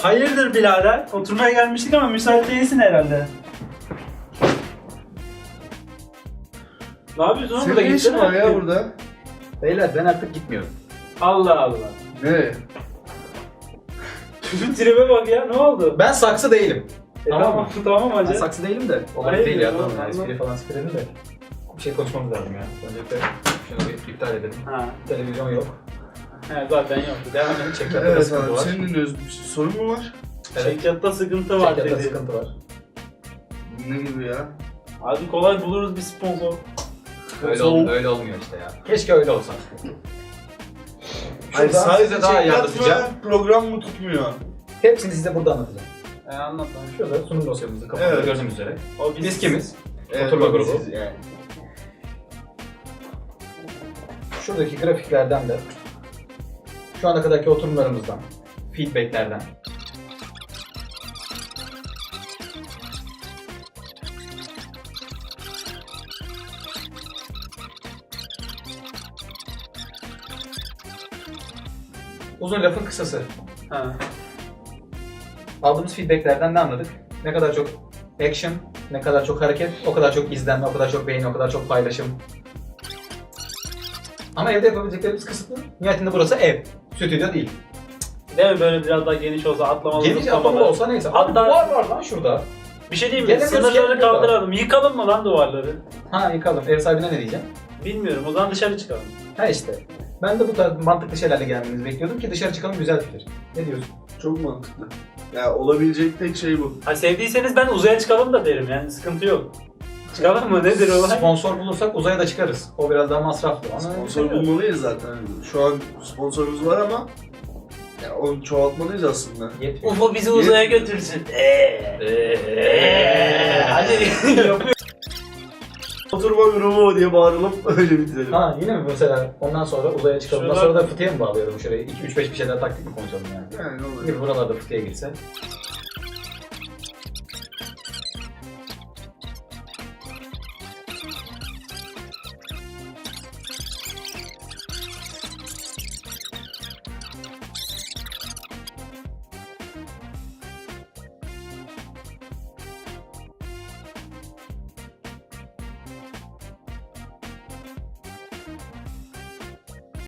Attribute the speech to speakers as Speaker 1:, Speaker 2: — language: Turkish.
Speaker 1: Hayırdır birader? Oturmaya gelmiştik ama müsait değilsin herhalde. Ne yapıyorsun oğlum? Burada
Speaker 2: Senin ne işin
Speaker 1: gitsene.
Speaker 2: var ya burada?
Speaker 3: Beyler ben artık gitmiyorum.
Speaker 1: Allah Allah.
Speaker 2: Ne?
Speaker 1: Şu tribe bak ya, ne oldu?
Speaker 3: Ben saksı değilim.
Speaker 1: Tamam, tamam
Speaker 3: Ben
Speaker 1: hacı.
Speaker 3: saksı değilim de. Olay
Speaker 1: Hayır,
Speaker 3: değil ya.
Speaker 1: yok,
Speaker 3: Tamam ya.
Speaker 1: anladım.
Speaker 3: Espri falan spirelim de. Bir şey konuşmamız lazım ya. Öncelikle şunu bir iptal edelim.
Speaker 1: Ha.
Speaker 3: Televizyon yok.
Speaker 1: He, zaten yok.
Speaker 3: Devam edelim. Çekyatta da
Speaker 2: Evet
Speaker 3: sıkıntı
Speaker 2: abi,
Speaker 3: var.
Speaker 2: senin dinliyoruz. Bir sorun mu var?
Speaker 3: Evet.
Speaker 1: Çekyatta sıkıntı var
Speaker 3: Çekyatta
Speaker 1: dedi.
Speaker 3: sıkıntı var.
Speaker 2: Ne gibi ya?
Speaker 1: Hadi kolay buluruz bir sponsor.
Speaker 3: Öyle olmuyor işte ya. Keşke öyle olsa.
Speaker 2: Hayır,
Speaker 3: Şuradan
Speaker 2: sadece
Speaker 3: size daha iyi
Speaker 2: çek
Speaker 3: anlatacağım.
Speaker 2: yapma, program mı tutmuyor?
Speaker 3: Hepsini size burada anlatacağım.
Speaker 1: Anlat lan.
Speaker 3: Şurada sunum dosyamızı kapağında
Speaker 2: Evet.
Speaker 3: gördüğünüz üzere.
Speaker 1: O
Speaker 3: Biz kimiz?
Speaker 2: Evet,
Speaker 3: Oturma grubu.
Speaker 2: siz yani.
Speaker 3: Şuradaki grafiklerden de şu ana kadarki oturumlarımızdan, feedbacklerden uzun lafın kısası.
Speaker 1: Ha.
Speaker 3: Aldığımız feedbacklerden ne anladık? Ne kadar çok action, ne kadar çok hareket, o kadar çok izlenme, o kadar çok beğeni, o kadar çok paylaşım. Ama evde yapabileceklerimiz kısıtlı. Nihayetinde burası ev, stüdyo değil.
Speaker 1: Değil mi, böyle biraz daha geniş olsa, atlamalı,
Speaker 3: Geniş
Speaker 1: zıplamalı.
Speaker 3: atlamalı olsa neyse.
Speaker 1: Hatta-
Speaker 3: Var lan şurada.
Speaker 1: Bir şey diyeyim mi?
Speaker 3: Gelemiyoruz,
Speaker 1: Sınırları
Speaker 3: gelmiyor da.
Speaker 1: kaldıralım. Yıkalım mı lan duvarları?
Speaker 3: Ha yıkalım. Ev sahibine ne diyeceğim?
Speaker 1: Bilmiyorum. O zaman dışarı çıkalım.
Speaker 3: Ha işte. Ben de bu tarz mantıklı şeylerle gelmenizi bekliyordum ki dışarı çıkalım, güzel fikir. Ne diyorsun?
Speaker 2: Çok mantıklı. Ya olabilecek tek şey bu.
Speaker 1: Ha, sevdiyseniz ben uzaya çıkalım da derim, yani sıkıntı yok. Çıkalım mı? Nedir olay?
Speaker 3: Sponsor bulursak uzaya da çıkarız. O biraz daha masraflı. Ama
Speaker 2: Sponsor bulmalıyız zaten. Şu an sponsorumuz var ama ya onu çoğaltmalıyız aslında.
Speaker 3: Yetmiyor.
Speaker 1: UFO bizi uzaya götürsün. Hadi yapıyor.
Speaker 2: Oturma grubu diye bağırılıp öyle bitirelim.
Speaker 3: Ha yine mi mesela ondan sonra uzaya çıkalım. Ondan
Speaker 1: Şuradan-
Speaker 3: sonra da fıtıya mı bağlayalım şurayı? 2-3-5 bir şeyler taktik mi konuşalım yani?
Speaker 2: Yani olur.
Speaker 3: Gibi buralarda fıtıya girse.